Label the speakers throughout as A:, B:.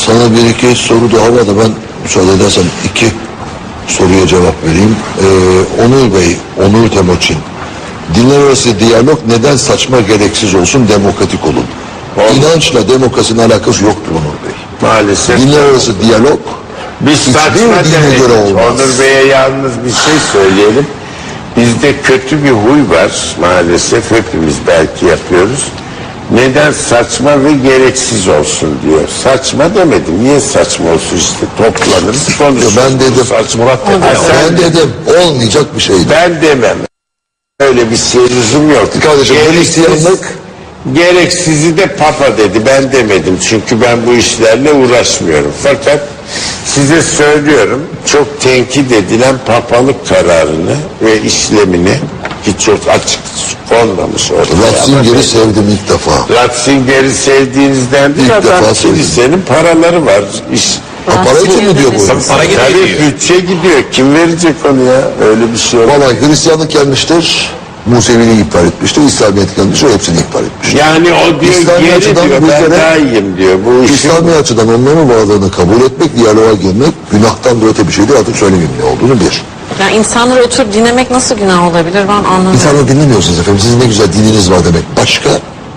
A: Sana bir iki soru daha var da ben müsaade edersen iki soruya cevap vereyim. Onur Bey, Onur Temoçin. Dinler arası diyalog neden saçma, gereksiz olsun, demokratik olun? İnançla demokrasinin alakası yoktur Onur Bey.
B: Maalesef.
A: Dinler arası diyalog
B: Biz saçma
A: hiçbir dine göre
B: demedik.
A: olmaz.
B: Onur Bey'e yalnız bir şey söyleyelim. Bizde kötü bir huy var maalesef, hepimiz belki yapıyoruz. Neden saçma ve gereksiz olsun diyor. Saçma demedim. Niye saçma olsun, işte toplanırız konuşuruz.
A: Ben dedim.
B: Saçma.
A: Ben dedim olmayacak bir şeydi.
B: Ben demem. Öyle bir şey lüzum yok.
A: Kardeşim Hristiyanlık
B: gereksizi de Papa dedi. Ben demedim. Çünkü ben bu işlerle uğraşmıyorum. Fakat size söylüyorum, çok tenkit edilen papalık kararını ve işlemini, ki çok açık konmamış orada.
A: Ratzinger'i sevdim ilk defa.
B: Ratzinger'i sevdiğinizden değil,
A: İlk
B: adam
A: defa sevdim.
B: kilisenin paraları var.
A: Para için mi diyor bu?
C: Para gidiyor
B: Tabii
C: diyor.
B: bütçe gidiyor. Kim verecek onu ya? Öyle bir şey yok.
A: Vallahi Hristiyanlık gelmiştir, Museviliği iptal etmiştir, İslamiyet gelmiştir, hepsini iptal etmiştir.
B: Yani o diyor
A: İslami
B: geri
A: açıdan
B: diyor,
A: bir
B: ben
A: kere
B: daha iyiyim diyor. Bu işin
A: İslami açıdan onların varlığını kabul etmek, diyaloğa girmek, günahtan da öte bir şey değil, artık söylemeyeyim ne olduğunu bir.
D: Yani insanları oturup dinlemek nasıl günah olabilir, ben anlamıyorum.
A: İnsanları dinlemiyorsunuz efendim, sizin ne güzel dininiz var demek. Başka,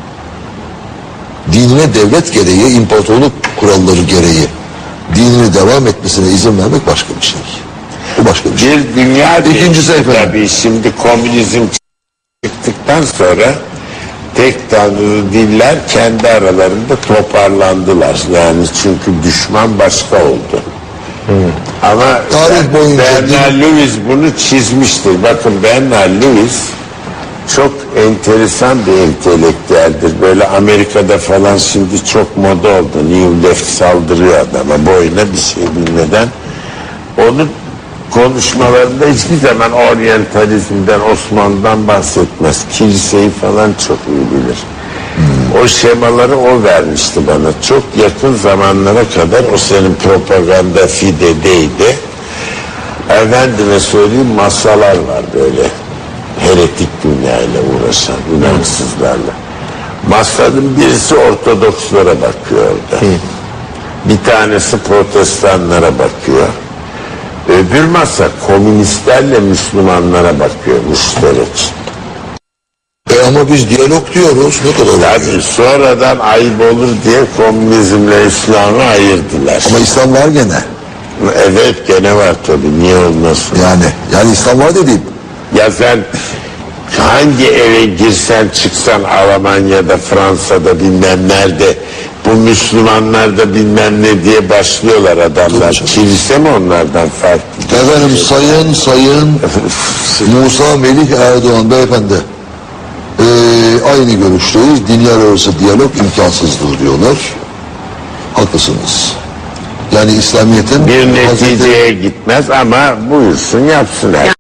A: dinine devlet gereği, imparatorluk kuralları gereği dinini devam etmesine izin vermek başka bir şey. Bu başka bir şey.
B: bir dünya
A: İkincisi
B: değişti
A: efendim.
B: tabii. Şimdi komünizm çıktıktan sonra tek tanrılı diller kendi aralarında toparlandılar. Yani çünkü düşman başka oldu. Ama
A: Tarih boyunca
B: Bernard Lewis bunu çizmiştir. Bakın Bernard Lewis çok enteresan bir entelektüeldir. Böyle Amerika'da falan şimdi çok moda oldu. New Left saldırıyor adama boyuna bir şey bilmeden. Onun konuşmalarında hiçbir zaman oryantalizmden, Osmanlı'dan bahsetmez. Kiliseyi falan çok iyi bilir. O şemaları o vermişti bana. Çok yakın zamanlara kadar o senin propaganda fidedeydi. Efendime söyleyeyim, masalar var böyle. Heretik dünyayla uğraşan inançsızlarla. Masanın birisi Ortodokslara bakıyor orada. Bir tanesi Protestanlara bakıyor. Öbür masa komünistlerle Müslümanlara bakıyor, müşterek.
A: Ama biz diyalog diyoruz, ne kadar
B: Tabii sonradan ayıp olur diye komünizmle İslam'ı ayırdılar.
A: Ama İslam var gene.
B: Evet gene var tabii, niye olmasın?
A: Yani İslam var dediğim.
B: Ya sen hangi eve girsen çıksan Almanya'da, Fransa'da bilmem nerede, bu Müslümanlar da bilmem ne diye başlıyorlar adamlar. Kilise mi onlardan farklı?
A: Efendim sayın Musa Melih Erdoğan beyefendi aynı görüşteyiz. Dinler arası diyalog imkansızdır diyorlar. Haklısınız. Yani İslamiyet'in
B: Bir neticeye gitmez ama buyursun yapsın her.